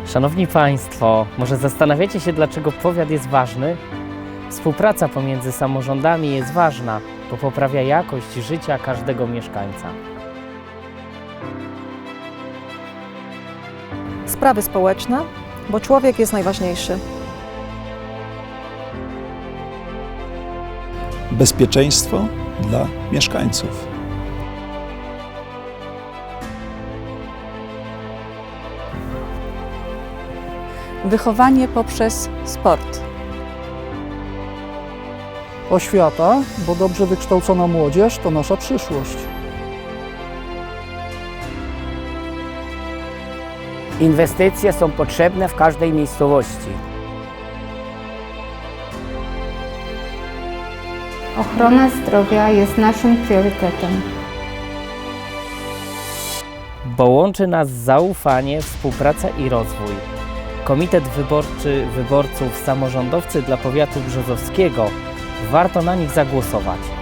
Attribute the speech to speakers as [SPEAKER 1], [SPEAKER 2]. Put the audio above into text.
[SPEAKER 1] Szanowni Państwo, może zastanawiacie się, dlaczego powiat jest ważny? Współpraca pomiędzy samorządami jest ważna, bo poprawia jakość życia każdego mieszkańca.
[SPEAKER 2] Sprawy społeczne, bo człowiek jest najważniejszy.
[SPEAKER 3] Bezpieczeństwo dla mieszkańców.
[SPEAKER 4] Wychowanie poprzez sport.
[SPEAKER 5] Oświata, bo dobrze wykształcona młodzież to nasza przyszłość.
[SPEAKER 6] Inwestycje są potrzebne w każdej miejscowości.
[SPEAKER 7] Ochrona zdrowia jest naszym priorytetem.
[SPEAKER 1] Bo łączy nas zaufanie, współpraca i rozwój. Komitet Wyborczy Wyborców Samorządowcy dla Powiatu Brzozowskiego. Warto na nich zagłosować.